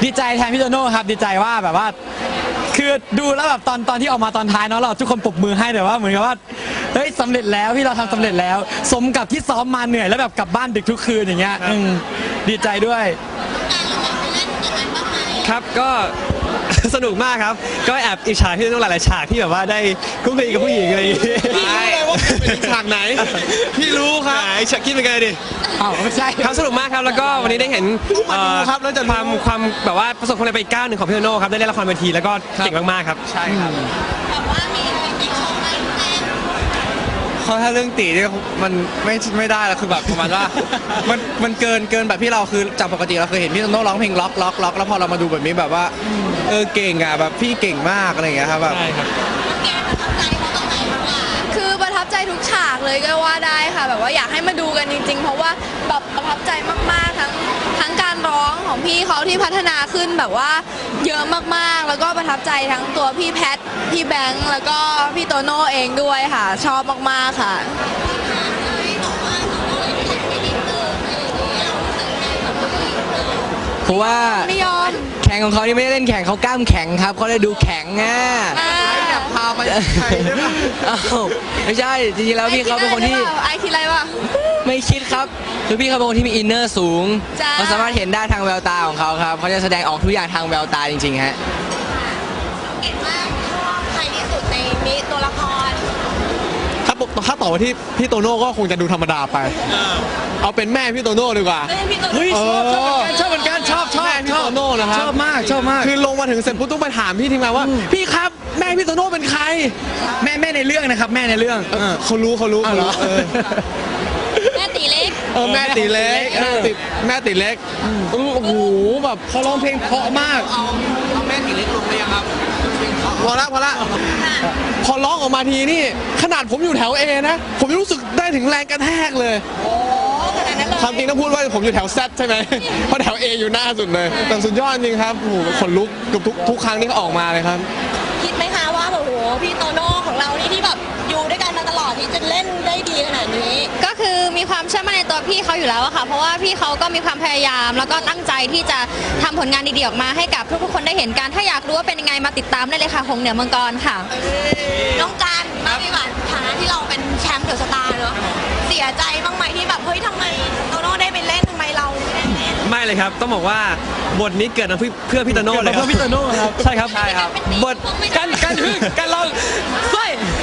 ดีใจแทนพี่โตโน่ครับดีใจว่าแบบว่าคือดูแล้วแบบตอนที่ออกมาตอนท้ายเนาะเราทุกคนปรบมือให้แต่ว่าเหมือนกับว่าเฮ้ยสำเร็จแล้วพี่เราทำสำเร็จแล้ว สมกับที่ซ้อมมาเหนื่อยแล้วแบบกลับบ้านดึกทุกคืนอย่างเงี้ยดีใจด้วยครับก็สนุกมากครับก็แอบอิจฉาพี่โตโน่หลายๆฉากที่แบบว่าได้คุกคีกับผู้หญิงอะไรอย่างงี้พี่รู้เลยว่าเป็นฉากไหนพี่รู้ครับไหนฉากคิดเป็นไงดิอ้าวไม่ใช่ครับสนุกมากครับแล้วก็วันนี้ได้เห็นครับแล้วจะความแบบว่าประสบความสำเร็จไปอีกก้าวหนึ่งของพี่โตโน่ครับได้เล่นละครเวทีแล้วก็เก่งมากๆครับใช่ครับแบบว่ามีอีกช่องไหนแจ้งเขาถ้าเรื่องตีเนี่ยมันไม่ได้แล้วคือแบบประมาณว่ามันเกินแบบที่เราคือจากปกติเราเคยเห็นพี่โตโน่ร้องเพลงล็อกแล้วพอเรามาดูแบบนี้แบบว่าเก่งอ่ะแบบพี่เก่งมากอะไรอย่างเงี้ยครับแบบใช่ครับแกประทับใจเขาตรงไหนบ้างล่ะคือประทับใจทุกฉากเลยก็ว่าได้ค่ะแบบว่าอยากให้มาดูกันจริงๆเพราะว่าแบบประทับใจมากๆทั้งการร้องของพี่เขาที่พัฒนาขึ้นแบบว่าเยอะมากๆแล้วก็ประทับใจทั้งตัวพี่แพทพี่แบงค์แล้วก็พี่โตโน่เองด้วยค่ะชอบมากๆค่ะเพราะว่าไม่ยอมแข่งของเขานี่ไม่ได้เล่นแข่งเขากล้ามแข็งครับเขาเลยดูแข็งอ่ะพาไปใครได้ปะไม่ใช่จริงๆแล้วพี่เขาเป็นคนที่ไอคิดอะไรวะไม่คิดครับคือพี่เขาเป็นคนที่มีอินเนอร์สูงจ้าเขาสามารถเห็นได้ทางแววตาของเขาครับเขาจะแสดงออกทุกอย่างทางแววตาจริงๆฮะเก่งมากชอบใครที่สุดในนี้ตัวละครถ้าต่อที่พี่โตโน่ก็คงจะดูธรรมดาไปเอาเป็นแม่พี่โตโน่ดีกว่าเฮ้ยชอบเหมือนกันชอบแม่พี่โตโน่นะครับชอบมากคือลงมาถึงเสร็จปุ๊บต้องไปถามพี่ทีมงานว่าพี่ครับแม่พี่โตโน่เป็นใครแม่ในเรื่องนะครับแม่ในเรื่องเขารู้แม่ตีเล็กแม่ตีเล็กแม่ตีเล็กโอ้โหแบบเขาร้องเพลงเพราะมากเอาแม่ตีเล็กลงเลยครับพอละพอร้องออกมาทีนี่ขนาดผมอยู่แถว A นะผมรู้สึกได้ถึงแรงกระแทกเลยความจริงต้องพูดว่าผมอยู่แถว Z ใช่ไหมเพราะแถว A อยู่หน้าสุดเลยแต่สุดยอดจริงครับโอ้โหขนลุกกับทุกครั้งที่เขาออกมาเลยครับคิดไหมคะว่าโอ้โหพี่โตโน่ของเรานี่ที่แบบอยู่ด้วยกันมาตลอดที่จะเล่นได้ดีขนาดนี้ก็คือมีความเชื่อมั่นในตัวพี่เขาอยู่แล้วอะค่ะเพราะว่าพี่เขาก็มีความพยายามแล้วก็ตั้งใจที่จะทำผลงานดีๆออกมาให้กับทุกๆคนได้เห็นกันถ้าอยากรู้ว่าเป็นยังไงมาติดตามได้เลยค่ะหงเหนือมังกรค่ะน้องการบ้างดีกว่าฐานะที่เราเป็นแชมป์เดอะสตาร์เนอะเสียใจบ้างไหมที่แบบเฮ้ยทำไมโตโน่ได้ไปเล่นทำไมเราไม่ได้เล่นไม่เลยครับต้องบอกว่าบทนี้เกิดมาเพื่อพี่โตโน่เลยครับเพื่อพี่โตโน่ครับใช่ครับบทการลองไม่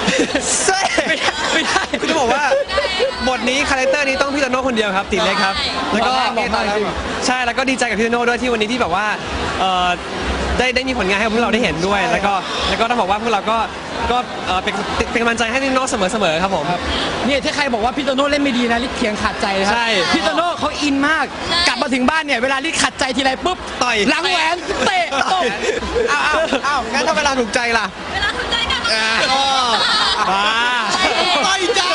ได้คุณจะบอกว่าบทนี้คาแรคเตอร์นี้ต้องพี่โตโน่คนเดียวครับติดเลยครับแล้วก็ใช่แล้วก็ดีใจกับพี่โตโน่ด้วยที่วันนี้ที่แบบว่าได้มีผลงานให้พวกเราได้เห็นด้วยแล้วก็ต้องบอกว่าพวกเราก็เป็นกำลังใจให้พี่โตโน่เสมอครับผมนี่ถ้าใครบอกว่าพี่โตโน่เล่นไม่ดีนะลิศเถียงขาดใจเลยครับพี่โตโน่เขาอินมากกลับมาถึงบ้านเนี่ยเวลาลิศขัดใจทีไรปุ๊บต่อยหลังแหวนเตะตบอ้าวงั้นถ้าเวลาถูกใจล่ะเวลาถูกใจกันต่อยจ้า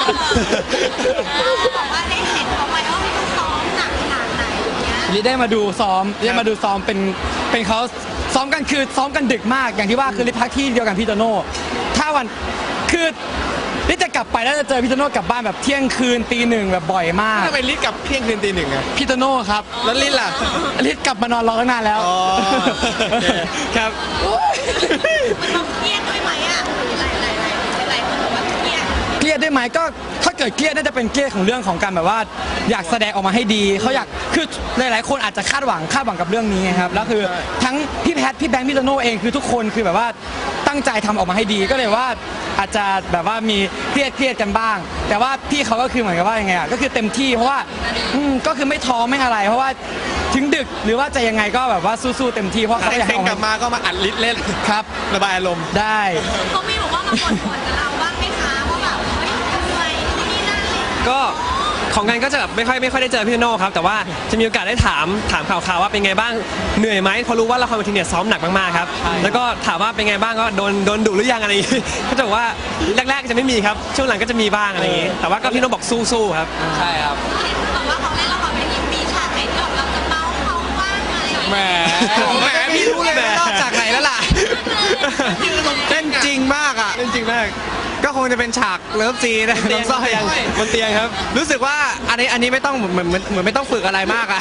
บอกว่าได้เห็นเขาไหมว่าเขาซ้อมหนักขนาดไหนอย่างเงี้ยลิศได้มาดูซ้อมเป็นเขาซ้อมกันคือซ้อมกันดึกมากอย่างที่ว่าคือลิศพักที่เดียวกันพี่โตโน่ถ้าวันคือลิศจะกลับไปแล้วจะเจอพี่โตโน่กลับบ้านแบบเที่ยงคืนตีหนึ่งแบบบ่อยมากทำไมลิศกลับเที่ยงคืนตีหนึ่งอะพี่โตโน่ครับแล้วลิศล่ะลิศกลับมานอนรอตั้งนานแล้วครับมันเครียดด้วยไหมอ่ะหลายคนบอกว่าเครียดด้วยไหมก็ถ้าเกิดเครียดน่าจะเป็นเครียดของเรื่องของการแบบว่าอยากแสดงออกมาให้ดีเขาอยากคือหลายๆคนอาจจะคาดหวังกับเรื่องนี้ไงครับแล้วคือทั้งพี่แพทพี่แบงค์พี่โตโน่เองคือทุกคนคือแบบว่าตั้งใจทำออกมาให้ดีก็เลยว่าอาจจะแบบว่ามีเครียดกันบ้าง แต่ว่าพี่เขาก็คือเหมือนกับว่ายังไงก็คือเต็มที่เพราะว่าก็คือไม่ท้อไม่อะไรเพราะว่าถึงดึกหรือว่าจะยังไงก็แบบว่าสู้ๆเต็มที่เพราะเขาอยากให้กลับมาก็มาอัดลิศเล่นครับระบายอารมณ์ได้เขาไม่บอกว่ามาบ่นกับเราบ้างไหมคะว่าแบบเฮ้ยเหนื่อยนี่นั่นก็ของกันก็จะแบบไม่ค่อยได้เจอพี่โตโน่ครับแต่ว่าจะมีโอกาสได้ถามข่าวว่าเป็นไงบ้างเหนื่อยไหมพอรู้ว่าละครเวทีเนี่ยซ้อมหนักมากๆครับแล้วก็ถามว่าเป็นไงบ้างก็โดนดุหรือยังอะไรอย่างงี้ก็จะบอกว่าแรกๆจะไม่มีครับช่วงหลังก็จะมีบ้างอะไรอย่างงี้แต่ว่าก็พี่โตโน่บอกสู้ๆครับใช่ครับบอกว่าเขาเล่นละครเวทีมีฉากไหนที่เราจะเมาเขาบ้างอะไรแหมพี่รู้เลยนอกจากไหนแล้วล่ะเล่นจริงมากอ่ะเล่นจริงมากก็คงงจะเป็นฉากเลิฟซีนนะน้องสร้อยบนเตียงครับรู้สึกว่าอันนี้ไม่ต้องเหมือนไม่ต้องฝึกอะไรมากอะ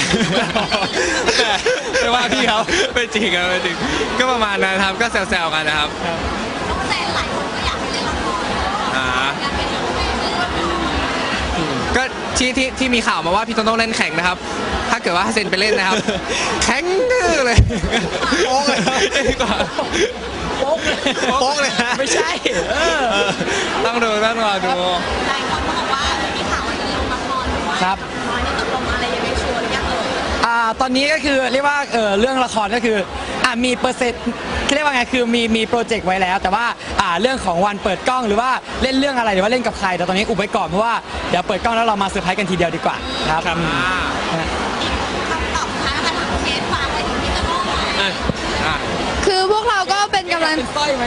ไม่ว่าพี่เขาไม่จริงครับไม่จริงก็ประมาณนั้นครับก็แซวๆกันนะครับแล้วก็แต่หลายคนก็อยากไปเล่นละครอ่าอยากเป็นนักแสดงก็ที่มีข่าวมาว่าพี่โตโน่เล่นแข่งนะครับ ถ้าเกิดว่าเซนไปเล่นนะครับ แข็งดื้อเลยโป๊กเลยโป๊กเลยนะไม่ใช่ต้องรอดูหลายคนก็บอกว่ามีข่าวว่าจะลงละครด้วยครับอันนี้ตกลงอะไรยังไงชัวร์หรือยังเอ่ยตอนนี้ก็คือเรียกว่าเรื่องละครก็คือมีเปอร์เซ็นต์เรียกว่าไงคือมีโปรเจกต์ไว้แล้ว แต่ว่าเรื่องของวันเปิดกล้องหรือว่าเล่นเรื่องอะไรหรือว่าเล่นกับใครแต่ตอนนี้อุบไว้ก่อนเพราะว่าเดี๋ยวเปิดกล้องแล้วเรามาเซอร์ไพรส์กันทีเดียวดีกว่าครับอ่าคำตอบท้ายแล้วค่ะเคสฝากอะไรถึงพี่โตโน่หน่อยอ่ะคือพวกเราก็เป็นกำลังสร้อยไหม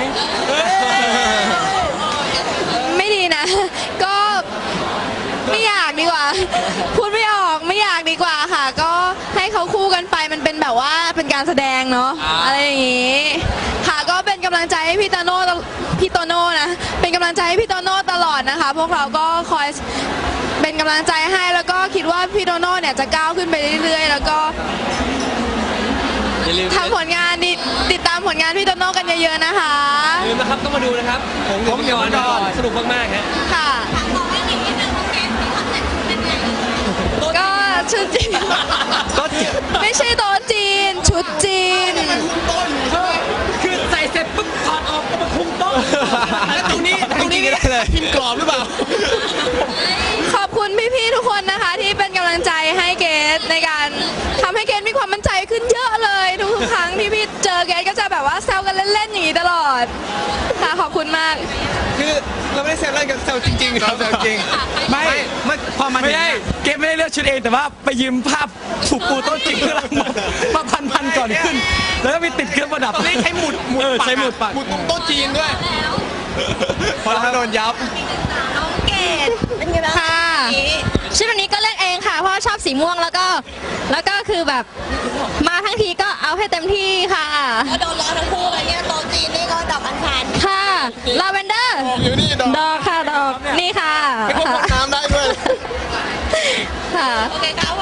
ไม่ดีนะ ก็ไม่อยากดีกว่า พูดไม่ออกไม่อยากดีกว่าค่ะ ก็ให้เขาคู่กันไปมันเป็นแบบว่าเป็นการแสดงเนาะอะไรอย่างงี้ค่ะก็เป็นกำลังใจให้พี่โตโน่นะเป็นกำลังใจให้พี่โตโน่ตลอดนะคะ พวกเราก็คอยเป็นกำลังใจให้แล้วก็คิดว่าพี่โตโน่เนี่ยจะก้าวขึ้นไปเรื่อยๆ แล้วก็อย่าลืมทำผลงานติดตามผลงานพี่โตโน่กันเยอะๆนะคะอย่าลืมนะครับต้องมาดูนะครับผมเดี๋ยวก่อนสนุกมากๆฮะค่ะถามบอกให้หนิงนิดนึงว่าเคสที่ทำแต่งชุดเป็นไงก็ชุดจีนก็เจ็บไม่ใช่โต๊ะจีน ชุดจีนคือใส่เสร็จปุ๊บถอดออกก็มาคุมโต๊ะแล้วตรงนี้ได้เลยพิมพ์กรอบหรือเปล่าขอบคุณพี่ๆทุกคนนะคะ ที่เป็นกำลังใจให้เกดในการทำให้เกดมีความมั่นใจขึ้นเยอะเลย ทุกๆครั้งที่พี่เจอเกดก็จะแบบว่าแซวกันเล่นๆอย่างนี้ตลอดค่ะขอบคุณมากคือเราไม่ได้แซวเล่นกันแซวจริงๆครับแซวจริงไม่พอมาไม่ได้เกมไม่ได้เลือกชุดเองแต่ว่าไปยืมภาพถูกปูโต๊ะจริงเพื่อเรามาพันก่อนขึ้น แล้วก็มีติดเครื่องประดับตอนนี้ใช้หมุดใช้หมุดปักหมุดตรงโต๊ะจีนด้วยแล้วพอเราโดนยับน้องเกดเป็นไงบ้างค่ะ ชุดวันนี้ก็เลือกเองค่ะ เพราะว่าชอบสีม่วงแล้วก็คือแบบมาทั้งทีก็เอาให้เต็มที่ค่ะก็โดนล้อทั้งคู่เลยเนี่ยโตะจีนนี่ก็ดอกอัญชันค่ะลาเวนเดอร์อยู่นี่ดอกดอกค่ะดอกนี่ค่ะไม่พบน้ำได้ด้วยค่ะโอเคครับ